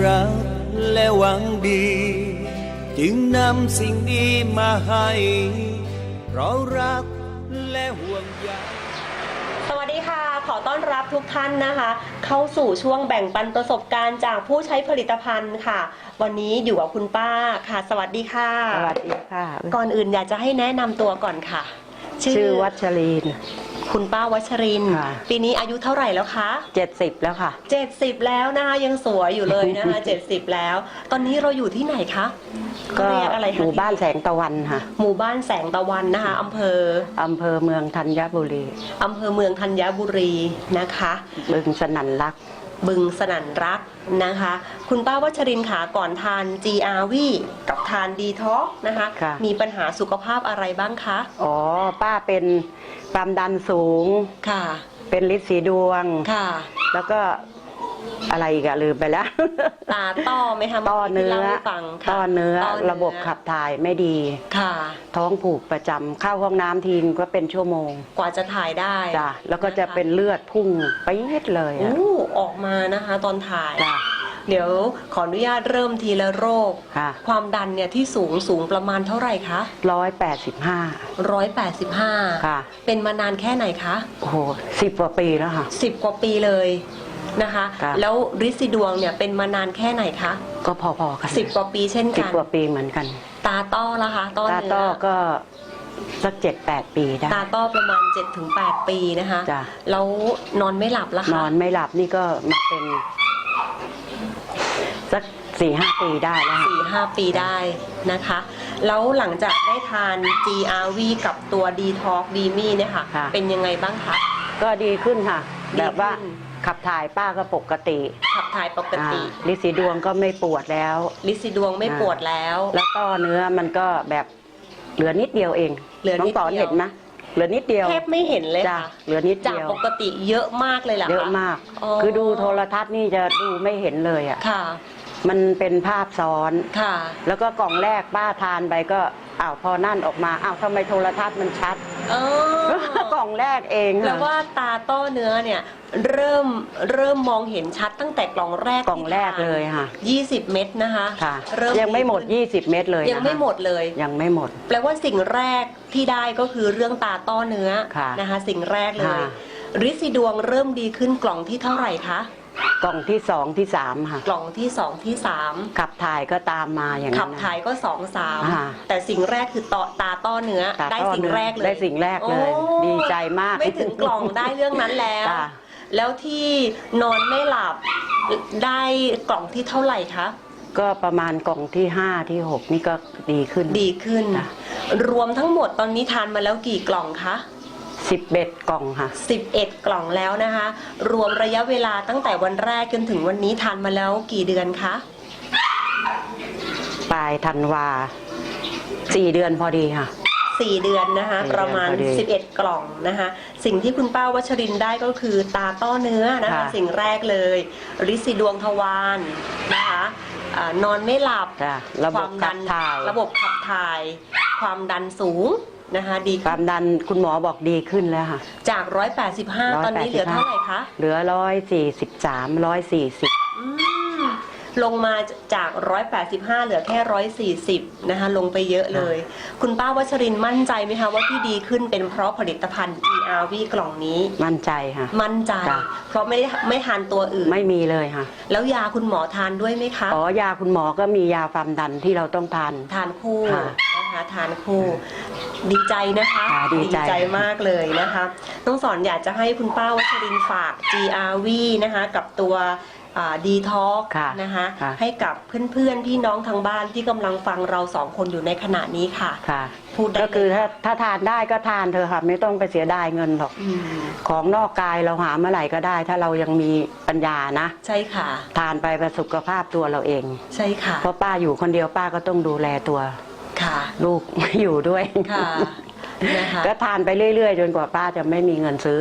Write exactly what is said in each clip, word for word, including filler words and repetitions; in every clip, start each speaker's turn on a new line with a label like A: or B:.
A: รักและหวังดีจึงนำสิ่งดีมาให้เพราะรักและห่วงใย
B: สวัสดีค่ะขอต้อนรับทุกท่านนะคะเข้าสู่ช่วงแบ่งปันประสบการณ์จากผู้ใช้ผลิตภัณฑ์ค่ะวันนี้อยู่กับคุณป้าค่ะสวัสดีค่ะ
C: สวัสดีค่ะ
B: ก่อนอื่นอยากจะให้แนะนำตัวก่อนค่ะ
C: ชื่อวัชริน
B: คุณป้าวัชรินปีนี้อายุเท่าไหร่แล้วคะ
C: เจ็ดสิบแล้วค่ะ
B: เจ็ดสิบแล้วนะคะยังสวยอยู่เลยนะคะเจ็ดสิบแล้ว ตอนนี้เราอยู่ที่ไหนคะ
C: ก็หมู่บ้านแสงตะวันค่ะ
B: หมู่บ้านแสงตะวันนะคะอำเภอ
C: อำเภอเมืองธัญบุรี
B: อำเภอเมืองธัญบุรีนะคะ
C: บึงสนั่นรัก
B: บึงสนั่นรักนะคะคุณป้าวัชรินค่ะก่อนทาน จี อาร์ วี กับทานดีท็อกนะคะมีปัญหาสุขภาพอะไรบ้างคะ
C: อ๋อป้าเป็นความดันสูง
B: ค่ะ
C: เป็นฤทธิ์สีดวง
B: ค่ะ
C: แล้วก็อะไรอีกอะลืมไปแล้ว
B: ตาต้อไหมคะ
C: ต้อเนื้อต้อเนื้อระบบขับถ่ายไม่ดี
B: ค่ะ
C: ท้องผูกประจำเข้าห้องน้ำทีนก็เป็นชั่วโมง
B: กว่าจะถ่ายได้
C: จ้ะแล้วก็จะเป็นเลือดพุ่งไปเย็ดเลย
B: อะออกมานะคะตอนถ่ายจ้ะเดี๋ยวขออนุญาตเริ่มทีละโรคความดันเนี่ยที่สูงสูงประมาณเท่าไหร่คะ
C: ร้อยแปดสิบห้า
B: ร้อยแปดสิบห้า
C: ค่ะ
B: เป็นมานานแค่ไหนคะ
C: โอ้โหสิบกว่าปีแล้วค่ะ
B: สิบกว่าปีเลยนะคะแล้วฤทธิ์สีดวงเนี่ยเป็นมานานแค่ไหนคะ
C: ก็พอๆกัน
B: สิบกว่าปีเช่นกัน
C: สิบกว่าปีเหมือนกัน
B: ตาต้อละคะ
C: ต้อตาต้อก็สักเจ็ดแปดปีได้
B: ตาต้อประมาณเจ็ดถึงแปดปีนะคะ
C: จ้ะ
B: แล้วนอนไม่หลับละคะ
C: นอนไม่หลับนี่ก็มาเป็นสักสี่ห้าปีได้แล้ว
B: สี่ห้าปีได้นะคะแล้วหลังจากได้ทาน จี อาร์ วี กับตัว ดีท็อก ดีมี่เนี่ยค่ะเป็นยังไงบ้างคะ
C: ก็ดีขึ้นค่ะแบบว่าขับถ่ายป้าก็ปกติ
B: ขับถ่ายปกติ
C: ฤทธิ์สีดวงก็ไม่ปวดแล้ว
B: ฤทธิ์สีดวงไม่ปวดแล้ว
C: แล้วก็เนื้อมันก็แบบเหลือนิดเดียวเอง
B: เหลือนิดเดียว
C: น้องต่อเห็นไหมเหลือนิดเดียว
B: แทบไม่เห็นเลยค่ะ
C: เหลือนิดเดียว
B: จากปกติเยอะมากเลยล่ะ
C: เยอะมากคือดูโทรทัศน์นี่จะดูไม่เห็นเลยอ่ะ
B: ค่ะ
C: มันเป็นภาพซ้อน
B: ค่ะ
C: แล้วก็กล่องแรกป้าทานไปก็อ้าวพอนั่นออกมาอ้าวทำไมโทรทัศน์มันชัดกล่องแรกเอง
B: แล้วว่าตาต้อเนื้อเนี่ยเริ่มเริ่มมองเห็นชัดตั้งแต่กล่องแรก
C: กล่องแรกเลยค่ะ
B: ยี่สิบเม็ดนะคะ
C: ค่ะยังไม่หมดยี่สิบเม็ดเลย
B: ยังไม่หมดเลย
C: ยังไม่หมด
B: แปลว่าสิ่งแรกที่ได้ก็คือเรื่องตาต้อเนื้อนะคะสิ่งแรกเลยฤทธิ์สีดวงเริ่มดีขึ้นกล่องที่เท่าไหร่คะ
C: กล่องที่สองที่สามค่ะ
B: กล่องที่สองที่สาม
C: ขับถ่ายก็ตามมาอย่างนั้น
B: ขับถ่ายก็สองสามแต่สิ่งแรกคือตาตาต้อเนื้อได้สิ่งแรกเลย
C: ได้สิ่งแรกเลยดีใจมาก
B: ไม่ถึงกล่องได้เรื่องนั้นแล้วแล้วที่นอนไม่หลับได้กล่องที่เท่าไหร่คะ
C: ก็ประมาณกล่องที่ห้าที่หกนี่ก็ดีขึ้น
B: ดีขึ้นรวมทั้งหมดตอนนี้ทานมาแล้วกี่กล่องคะ
C: สิบเอ็ดกล่องค่ะ
B: สิบเอ็ดกล่องแล้วนะคะรวมระยะเวลาตั้งแต่วันแรกจนถึงวันนี้ทานมาแล้วกี่เดือนคะ
C: ปลายธันวาสี่เดือนพอดีค่ะ
B: สี่เดือนนะคะประมาณสิบเอ็ดกล่องนะคะสิ่งที่คุณป้าวัชรินได้ก็คือตาต้อเนื้อนะคะสิ่งแรกเลยฤทธิ์สีดวงทวารนะคะนอนไม่หลับ
C: ความดัน
B: ระบบขับถ่ายความดันสูงนะคะดี
C: ความดันคุณหมอบอกดีขึ้นแล้วค่ะ
B: จากร้อยแปดสิบห้าตอนนี้เหลือเท่าไหร่คะ
C: เหลือร้อยสี่สิบสามร้อยสี่สิบ
B: ลงมาจากร้อยแปดสิบห้าเหลือแค่ร้อยสี่สิบนะคะลงไปเยอะเลยคุณป้าวัชรินมั่นใจไหมคะว่าที่ดีขึ้นเป็นเพราะผลิตภัณฑ์ จี อาร์ วี กล่องนี้
C: มั่นใจค่ะ
B: มั่นใจเพราะไม่ได้ไม่ทานตัวอื่น
C: ไม่มีเลยค่ะ
B: แล้วยาคุณหมอทานด้วยไหมคะ
C: อ๋อยาคุณหมอก็มียาความดันที่เราต้องทาน
B: ทานคู่นะคะทานคู่ดีใจนะคะ
C: ดีใจ
B: มากเลยนะคะน้องสอนอยากจะให้คุณป้าวัชรินฝาก จี อาร์ วี นะคะกับตัวดีท็อกนะคะให้กับเพื่อนๆพี่น้องทางบ้านที่กำลังฟังเราสองคนอยู่ในขณะนี้ค่ะ
C: พูดก็คือถ้าถ้าทานได้ก็ทานเธอค่ะไม่ต้องไปเสียดายเงินหรอกของนอกกายเราหาเมื่อไหร่ก็ได้ถ้าเรายังมีปัญญานะ
B: ใช่ค่ะ
C: ทานไปประสุขภาพตัวเราเอง
B: ใช่ค่ะ
C: เพราะป้าอยู่คนเดียวป้าก็ต้องดูแลตัว
B: ค่ะ
C: ลูกไม่อยู่ด้วย
B: ค่ะ
C: ก็ทานไปเรื่อยๆจนกว่าป้าจะไม่มีเงินซื้อ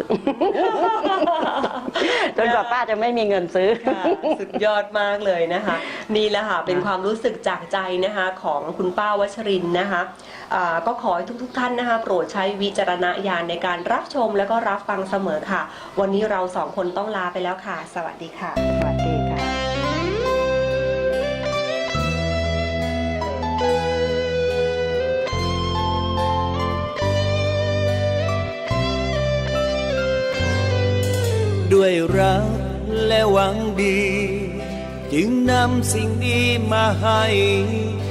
C: จนกว่าป้าจะไม่มีเงินซื้อ
B: สุดยอดมากเลยนะคะนี่แหละค่ะเป็นความรู้สึกจากใจนะคะของคุณป้าวัชรินนะคะก็ขอให้ทุกๆท่านนะคะโปรดใช้วิจารณญาณในการรับชมและก็รับฟังเสมอค่ะวันนี้เราสองคนต้องลาไปแล้วค่ะสวัสดีค่ะ
C: สวัสดีค่ะ
A: ด้วยรักและหวังดี จึงนำสิ่งดีมาให้